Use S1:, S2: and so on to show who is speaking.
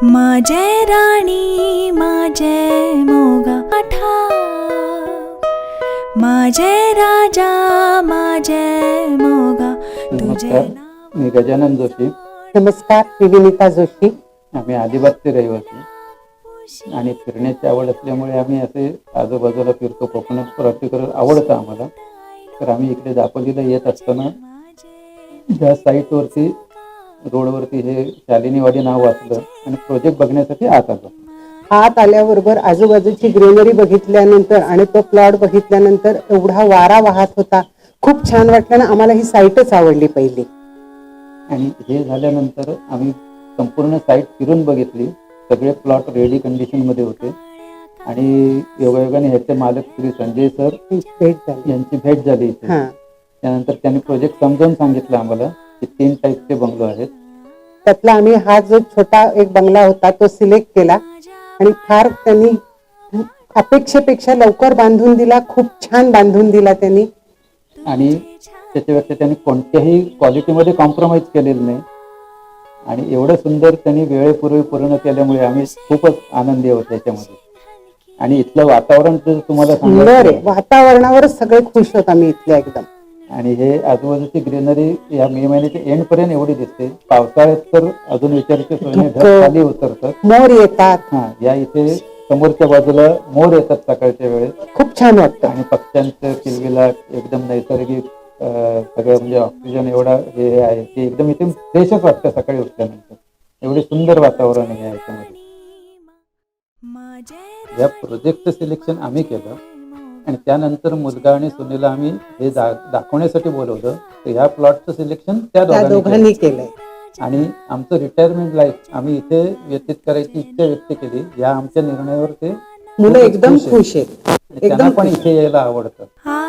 S1: माझे राणी माझे मोगा ठा, माझे राजा माझे मोगा तुझे नाव.
S2: मी गजानन जोशी.
S3: नमस्कार, मी विनिता जोशी.
S2: आम्ही अलिबागचे रहिवासी आणि फिरण्याची आवड असल्यामुळे आम्ही असे आजूबाजूला फिरतो. कोकणात पर्टिक्युलर आवडतं आम्हाला. तर आम्ही इकडे दापोलीला येत असताना ज्या साईटवरती रोडवरती हे शालिनीवाडी नाव वाचलं आणि प्रोजेक्ट बघण्यासाठी आत आलो.
S3: आत आल्याबरोबर आजूबाजूची ग्रीनरी बघितल्यानंतर आणि तो प्लॉट बघितल्यानंतर एवढा वारा वाहत होता, खूप छान वाटलं ना. आम्हाला ही साईटच आवडली पहिली.
S2: आणि हे झाल्यानंतर आम्ही संपूर्ण साईट फिरून बघितली. सगळे प्लॉट रेडी कंडिशनमध्ये होते आणि योगायोगाने ह्याचे मालक श्री संजय सर
S3: भेट झाली.
S2: यांची भेट झाली इथे. त्यानंतर त्यांनी प्रोजेक्ट समजावून सांगितलं आम्हाला की 3 टाईपचे बंगलो आहेत.
S3: त्यातला आम्ही हा जो छोटा एक बंगला होता तो सिलेक्ट केला आणि फार त्यांनी अपेक्षेपेक्षा लवकर बांधून दिला. खूप छान बांधून दिला त्यांनी.
S2: आणि त्याच्यापेक्षा त्यांनी कोणत्याही क्वालिटीमध्ये कॉम्प्रोमाइज केलेलं नाही आणि एवढं सुंदर त्यांनी वेळेपूर्वी पूर्ण केल्यामुळे आम्ही खूपच आनंदी आहोत त्याच्यामध्ये. आणि इथलं वातावरण तर तुम्हाला
S3: सांगितलं, वातावरणावरच सगळे खुश होत आम्ही इथले एकदम.
S2: आणि हे आजूबाजूची ग्रीनरी या मे महिन्याच्या एंड पर्यंत एवढी दिसते. पावसाळ्यात तर अजून विचारायची सोय नाही, ढग खाली उतरतात,
S3: मोर येतात.
S2: या इथे समोरच्या बाजूला मोर येतात सकाळच्या वेळेस.
S3: खूप छान वाटतं
S2: आणि पक्ष्यांचं किलबिलाट एकदम नैसर्गिक सगळं म्हणजे ऑक्सिजन एवढा हे आहे की एकदम इथे फ्रेशच वाटतं सकाळी उठल्यानंतर. एवढे सुंदर वातावरण आहे याच्यामध्ये. या प्रोजेक्टचं सिलेक्शन आम्ही केलं आणि त्यानंतर मुलगा आणि सुनीला आम्ही हे दाखवण्यासाठी बोलवलं. तर ह्या प्लॉटचं सिलेक्शन त्या दोघांनी केलंय. आणि आमचं रिटायरमेंट लाईफ आम्ही इथे व्यतीत करायची इच्छा व्यक्त केली. या आमच्या निर्णयावर ते
S3: मुलं एकदम खुश आहेत.
S2: त्यांना पण इथे यायला आवडतं.